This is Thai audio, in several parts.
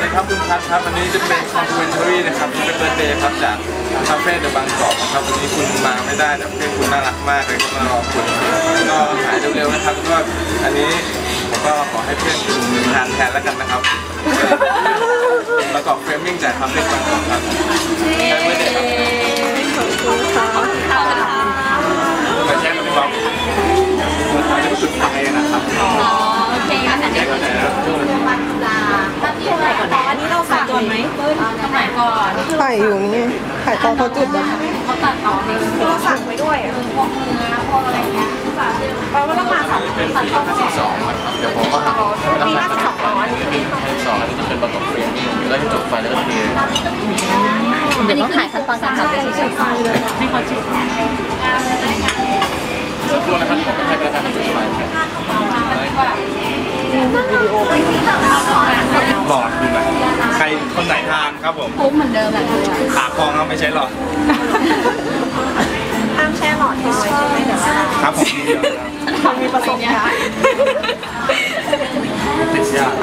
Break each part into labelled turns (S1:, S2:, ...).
S1: ครับคุณพัทครับวันนี้จะเป็นคอมเพลนทรีนะครับที่เป็นเบอร์เดย์ครับจากคาเฟ่เดอะบางกอกนะครับวันนี้คุณมาไม่ได้แต่เพื่อนคุณน่ารักมากเลยก็มารอคุณก็หายเร็วๆนะครับก็อันนี้ผมก็ขอให้เพื่อนคุณทานแทนแล้วกันนะครับประกอบเฟรมมิ่งจากคาเฟ่บางกอกครับแฮปปี้เดย์ครับขอบคุณค่ะไปแช่กับพี่บ๊อบเราจะสุดท้ายนะครับ
S2: โอเคงั้นอันนี้ตั้งที่ไหนก่อนอันนี้เราฝากก่อนไหมตรงไหนก่อน
S3: ถ่ายอยู่นี่ถ่ายตอนเขาจุดแบบ
S2: เขาตัดต่อเองเราสั่งไว้ด้วยพวกเนื้อพวกอะไรเงี้ยแปลว่าต้องมาสั่งสั่งข้าว
S1: สองเดี๋ยวผมก็ทำ
S2: มี52อันนี้
S1: 2อันนี้จะเป็นประกอบเฟรมมิ่งแล้วจะจบไฟแล้วก็เท
S2: อันนี้ถ่ายขั้นตอนการทำเป็นชิ้นๆให้เขาจุด
S1: สักครู่นะครับผมให้ประธานจุดไฟบอกดูหน่อยใครคนไหนทานครับผม
S2: ปุ๊บเหมือนเดิมแหละ
S1: ขาคองไม่ใช่หรอ
S2: ห้ามแช่หลอดทิ้งไว้ใช่ไหมเดี๋ยว
S1: ครับผม
S2: มีประสบการณ์
S1: ติดยาก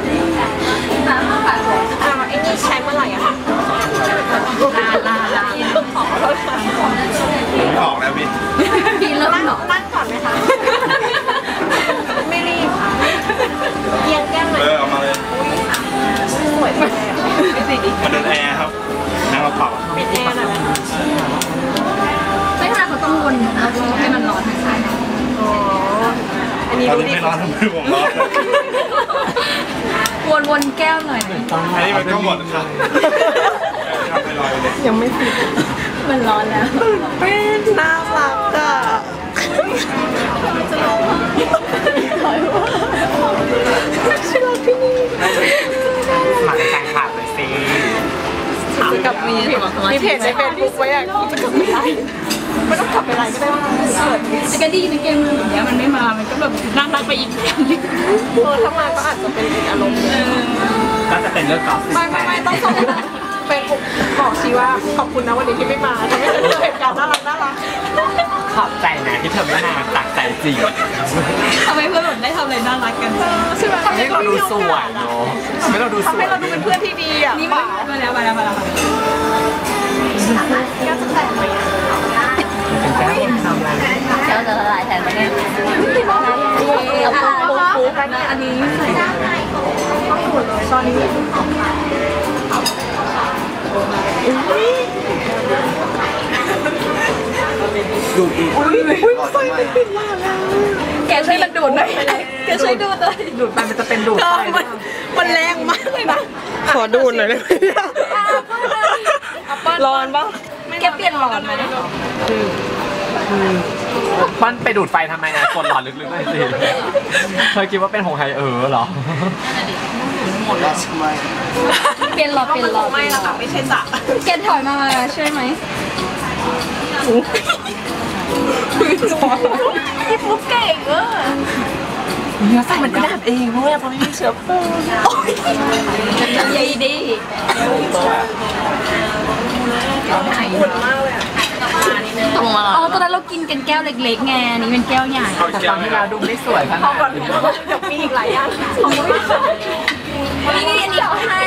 S2: ไอ้นี่ใช้เมื่อไหร่อะคะลา
S1: ไม่ออกแล้ว
S2: พี่เริ่มนั่งก่อนไหมคะไม่รีบค่ะเอียงแก้มเลย
S1: เอามาเลย
S2: สวยเลย
S1: มาเดินแอร์ครับนั่งกระเป๋า
S2: ปิดแอร์หน่อยไม่ทำไมเขาต้องวนให้มันร้อนทั้งสายอ๋ออันนี้ดูดิ
S1: ไม่ร้อนทำไมผมร้
S2: อนวนแก้วหน่อย
S1: อันนี้มันก็หมดครับ
S3: ยังไม่ปิด
S2: มันร้อนแล้ว
S3: เป็นน่ารักอ่ะชิลที่นี่
S1: หมันแต่งขาดเลยสิ
S3: จะกลับมีเพจในเฟซบุ๊กไว้อ่ะจะกลับไม่ได้ไม่ต้องกลับไปไรก็ได้ว่า
S2: จะก็ดีในเกมมืออย่างเงี้ยมันไม่มามันก็แบบน่ารักไปอีกอย่างนึง
S3: ถ้ามาก็อาจจะเป็นอีกอารมณ์
S1: ก็จะเป็นเรื่องกอล์ฟ
S3: ไม่ต้องส่งเฟซบุ๊กบอกชีว่าขอบคุณนะวันนี้ที่ไม่มาทำให้เกิดเหตุการณ์น่ารัก
S1: ขอบใจนะที่เธอไม่มาจากใจจริง
S2: ทำไมเพื่อนหล่นได้ทำอะไรน่ารักกัน
S3: ใช่ไหมทำ
S1: ให้เราดูสวยเนาะทำให้เราดูสวย
S3: ทำให้เราดูเป็นเพื่อนที่ดีอ่ะ
S2: นี่มาแล้ว
S3: แก้วจะแต่งไหม
S1: แก้วทำอะไร
S2: แก้วจะละลายแทนไหมเนี่ยเอาปุ๊บอันนี้ใส่ต้องหมดเลยตอนนี้
S1: ดูดอีก
S3: ไฟมันปิดมาก
S2: แกช่วยมันดูดหน่อยแกช่วยดูดเลย
S3: ดูดไปมันจะเป็นดูดไฟมันแรงมากเลยนะขอดูดหน่อยได้ไหมร้อนปะ
S2: แกเปลี่ยนหลอดไหม
S1: ปั้นไปดูดไฟทำไมนะกดหลอดลึกๆเลยสิเคยคิดว่าเป็นหงไฮเหรอหมดแล้วใช่ไหม
S2: เปลี่ยนหลอด
S3: ไม่ละค่ะไม่ใช่จ่ะ
S2: แกถอยมาช่วยไหมพี่ปุ๊กเก่ง
S3: เนื้อไส้มันก็ดับเองเพราะว่าไม่มีเชื้อเพลิง
S2: ยัยดี
S3: อุ่นมากเลยอ่ะ
S2: ตรงมาอ๋อตอนนั้นเรากินกันแก้วเล็กๆไงนี่เป็นแก้วใหญ่
S3: แต่ตอนที่เราดูไม่สวยขนาดนี้เดี๋ยวมีอีกหลายอย่าง
S2: นี่อันนี้เขาให้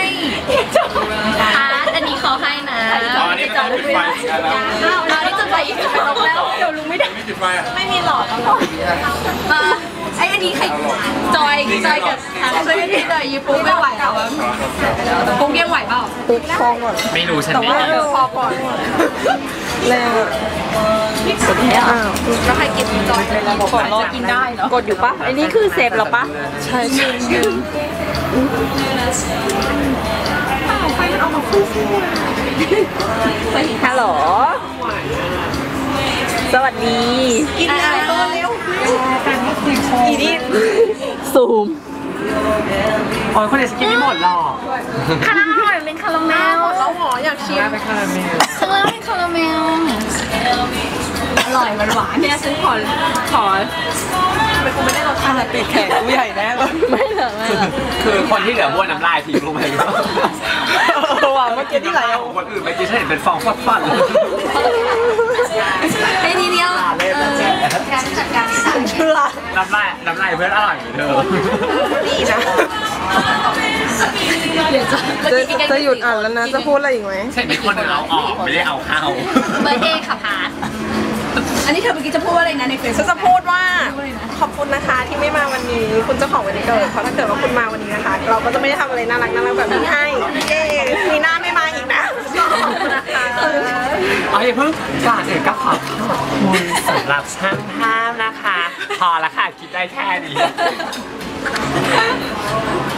S2: อันนี้เขาให้นะ
S1: อันนี้จะจุดไฟ
S2: อันนี้จุดไฟอีกแล้วเดี๋ยวลุงไม่ได้ไม่มีหลอดแล้วไอ้อันนี้ใครจอยกับช่วยพี่หน่อยยูปุ๊กไม่ไหวแล้วปุ๊กยังไหวเปล่า
S3: ปุ๊กคองก่อน
S1: ไม่รู้ฉัน
S3: ไม่พอก่อนแล้วสุดท้าย
S2: แล้วใครกินจอยเลยกดรอกินได้เนาะ
S3: กดอยู่ปะอันนี้คือเซฟหรอปะใช่ไฟมันออกมาฟูฮัลโหลสวัสดีกินอะไรก็เร็วอีนี่ซูม
S1: โอ้ยคนเดียวกินไม่หมดหรอก
S2: คาราเมลเป็นคาราเมล
S3: เราหออยากชิม
S1: เป็นคาราเมล
S2: ข้างล่างเป็นคาราเมลอร่อยหวานเนี่ยฉันขอ
S3: เป็นกูไม่ได้รสชาติติดแขกกูใหญ่แน่เลย
S2: ไม่เหรอ
S1: คือคนที่เหลือบ้วนน้ำลายทิ้งลงไป
S3: ว่าเมื่อกี้ที่ไหลเอา
S1: คนอื่นไปกินฉันเห็นเป็นฟองฟัด
S2: ไอ้นี่เดียวการจัดการ
S3: เชื่อ
S1: น้ำลายเพื่อนอร่อยเหมือนเดิม
S3: ดีนะ
S2: เดี๋ยว
S3: จะหยุดอ่านแล้วนะจะพูดอะไรอีกไหม
S4: ใช่ไหมคนเอาออกไม่ได้เอาเข้า
S2: เบอร์เดย์ค่ะพาร์ทอันนี้เธอเมื่อกี้จะพูดว่าอะไรนะในเฟซ
S3: ฉันจะพูดว่าขอบคุณนะคะที่ไม่มาวันนี้คุณเจ้าของวันนี้เกิดเพราะถ้าเกิดว่าคุณมาวันนี้นะคะ เราก็จะไม่ได้ทำอะไรน่ารักแบบนี้ให้เย้มีหน้าไม่มาอีกนะขอบคุณนะคะ
S4: เอาอย่าเพิ่งก่อนอื่นก็ขอบคุณสำหรับช่างภาพนะคะ พอละค่ะคิดได้แค่นี้